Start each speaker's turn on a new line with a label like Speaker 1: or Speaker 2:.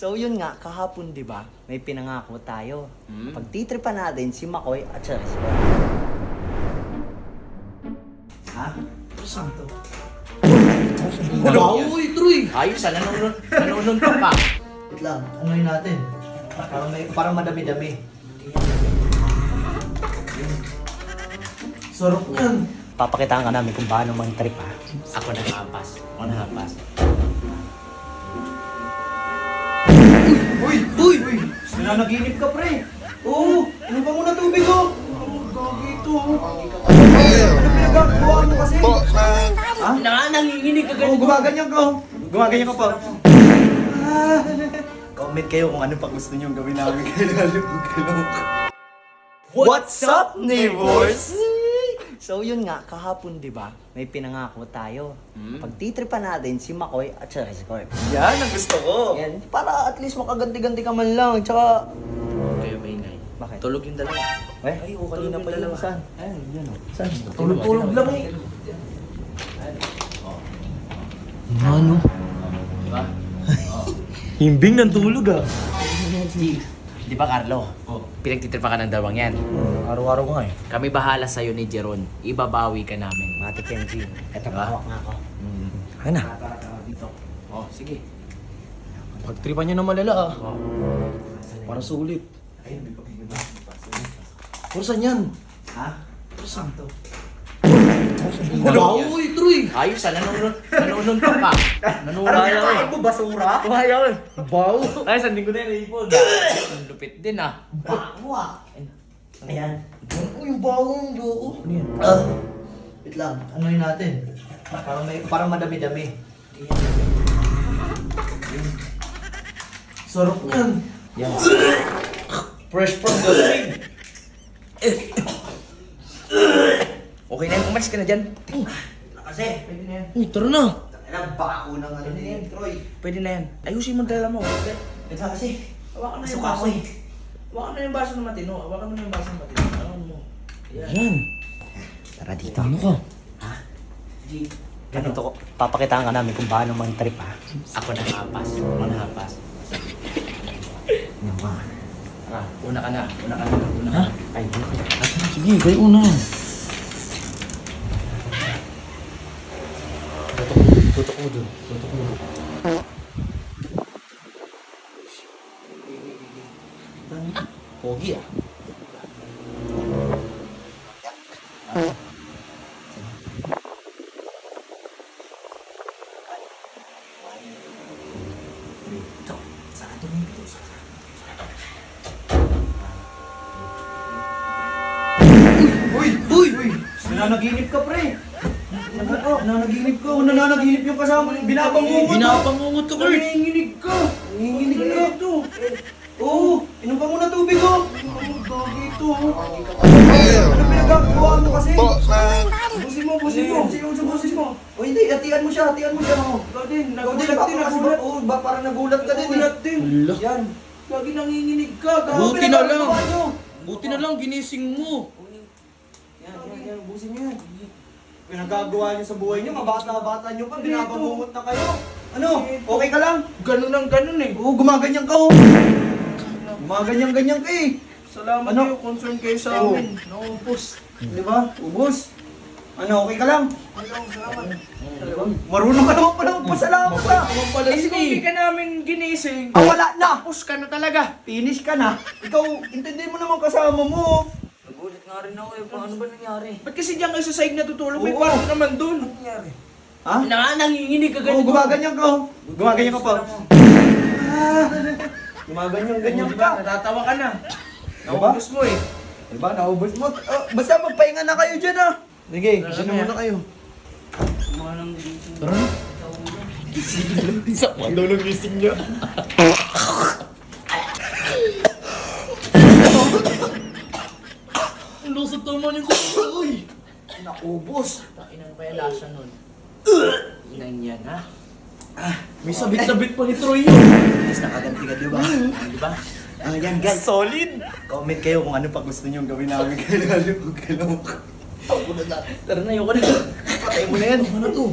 Speaker 1: So yun nga, kahapon 'di ba? May pinangako tayo. Pagtitripan natin si Makoy at si Rizwan. Ha? Saan to?
Speaker 2: Wow, uy, Troy!
Speaker 3: Ayos ah, nanonood ka pa.
Speaker 1: Wait lang, anuhin natin. Parang madami-dami.
Speaker 2: Sarap yan.
Speaker 1: Papakitaan ka namin kung paano mag-trip ha.
Speaker 3: Ako nakahampas. Ako nakahampas.
Speaker 2: Uy! Uy! Uy! Nananaginip ka, pre! Oo! Ano ba muna tubig, oh? Gagi ito, oh. Ano pinagagawa mo kasi? Ha?
Speaker 3: Nanginginig ka
Speaker 2: Oo, gumaganyan ka, oh. Gumaganyan ka pa.
Speaker 1: Comment kayo kung ano pa gusto nyo gawin namin kay
Speaker 2: What's up, neighbors?
Speaker 1: So yun nga, kahapon 'di ba? May pinangako tayo. Pagtitripan natin si Makoy at si Rizwan.
Speaker 2: Yan ang gusto ko.
Speaker 1: Yan, para at least makaganti-ganti ka man lang. Tsaka,
Speaker 3: Kayo maingay.
Speaker 1: Bakit?
Speaker 3: Tulog yung dalawa.
Speaker 1: ay, kanina pa yun. Saan?
Speaker 3: Ayun, yan o.
Speaker 1: Saan?
Speaker 2: Tulog-tulog lang, eh.
Speaker 1: Ano?
Speaker 3: Diba?
Speaker 1: Himbing ng tulog ah.
Speaker 3: Di ba, Carlo? Pinagtitripa ka ng dalawang yan.
Speaker 1: Araw-araw nga eh.
Speaker 3: Kami bahala sa'yo ni Jeron. Ibabawi ka namin.
Speaker 1: Mati Kenji. Eto,
Speaker 3: Diba?
Speaker 1: hawak nga ako. Ayun na.
Speaker 3: Dito. Oh, sige.
Speaker 2: Pagtripan nyo na malala, ah. Para sulit. Kursan yan.
Speaker 1: Ha? Saan to?
Speaker 2: Wow, uy, Troy!
Speaker 3: Ayos ah, nanonood ka pa. Nanonood ka.
Speaker 2: mo, basura?
Speaker 3: Ayaw.
Speaker 2: Wow!
Speaker 3: Ay, sanding ko na yung ipon. Ang lupit din ah.
Speaker 1: Bago ah. Ayan.
Speaker 2: Uy, yung bawang loo.
Speaker 1: Ano yan? Wait lang, anuhin natin. Parang madami-dami.
Speaker 2: Sarap yan.
Speaker 1: Yan.
Speaker 2: Fresh from the spring.
Speaker 3: Okay na yan, umalis ka na dyan.
Speaker 1: Kasi, pwede na yan.
Speaker 2: Uy, tara na.
Speaker 1: Alam, bako ng ano na yan, Troy.
Speaker 3: Pwede na yan. Ayusin mo ang dala mo.
Speaker 1: Ito kasi.
Speaker 3: Hawakan na yung
Speaker 1: Suka
Speaker 3: baso.
Speaker 1: ko eh.
Speaker 3: Hawakan na yung baso ng matino. Hawakan mo na yung baso ng matino. Hawakan mo.
Speaker 2: Yan.
Speaker 1: Tara dito.
Speaker 2: Ano ka?
Speaker 1: Ganito ko. Papakitaan ka namin kung paano mag-trip ha.
Speaker 3: Ako nakahampas. Ako nakahampas.
Speaker 1: Ano ba?
Speaker 3: Ah, una ka na. Una ka na. Una ka na.
Speaker 1: Ay,
Speaker 2: Sige, kayo una.
Speaker 1: tutok mo dun. Tutok mo dun.
Speaker 3: Pogi ah.
Speaker 1: Ito. Saan ito may ito?
Speaker 2: Uy! Uy! Uy! Nananaginip ka, pre! Nananaginip ka. O nananaginip yung kasama. Binabangungot.
Speaker 3: Binabangungot ka, Kurt.
Speaker 2: Nanginginig ka. Nanginginig ka. Ito. Oo. Inom ka muna tubig, oh. Gagi ito, oh. Ano pinagagawa mo kasi? Busin mo, busin mo. Busin mo. O hindi, hatian mo siya, hatian mo siya. Ikaw din, nagulat din. Nagulat. Oo, parang nagulat ka din. Nagulat din. Yan. Gagi nanginginig ka.
Speaker 3: Buti na lang.
Speaker 2: Pinagagawa nyo.
Speaker 3: Buti na lang, ginising mo.
Speaker 2: Yan, busin nyo yan. Pinagagawa nyo sa buhay nyo, mabata-bata nyo pa, binabangungot na kayo. Ano? Okay ka lang?
Speaker 3: Ganun ang ganun eh.
Speaker 2: Oo, gumaganyan ka, oh. Gumaganyan-ganyan ka eh.
Speaker 3: Salamat
Speaker 2: Ano?
Speaker 3: kayo, concern kayo sa
Speaker 2: Oo.
Speaker 3: amin. Naubos.
Speaker 2: Di ba? Ubus. Ano, okay ka lang? Marunong ka naman pala magpasalamat ka.
Speaker 3: Eh, kung hindi ka namin ginising,
Speaker 2: Wala na!
Speaker 3: tapos ka na talaga.
Speaker 2: Finish ka na. Ikaw, intindihin mo naman kasama mo.
Speaker 1: Nagulit nga rin ako eh. Ano ba nangyari?
Speaker 3: Ba't kasi diyan kayo sa side na tutulog? May
Speaker 2: Oo.
Speaker 3: kwarto naman dun.
Speaker 2: Ha?
Speaker 3: Nanginginig ka
Speaker 2: Oo,
Speaker 3: ganito.
Speaker 2: gumaganyan ka, oh. Gumaganyan ka pa. Gumaganyan-ganyan ka.
Speaker 3: Natatawa ka na.
Speaker 2: Diba?
Speaker 3: Naubos mo eh.
Speaker 2: Diba, naubos mo. Basta magpahinga na kayo dyan, ah. Sige,
Speaker 3: Tara
Speaker 2: kasi
Speaker 3: na.
Speaker 2: muna kayo. Tara na. Sakman daw ng gising niya.
Speaker 3: Ang lusot naman yung kuko. Uy!
Speaker 2: Naubos.
Speaker 3: Takinan pa yung lasa nun. Inan yan ha.
Speaker 2: May sabit-sabit pa ni Troy yun.
Speaker 1: Mas nakaganti ka, di ba?
Speaker 3: Di ba?
Speaker 1: Yan guys.
Speaker 2: Solid.
Speaker 1: Comment kayo kung ano pa gusto nyo gawin namin kay
Speaker 2: Tara na, ayoko na.
Speaker 1: Patay mo na yan.
Speaker 2: Ano to?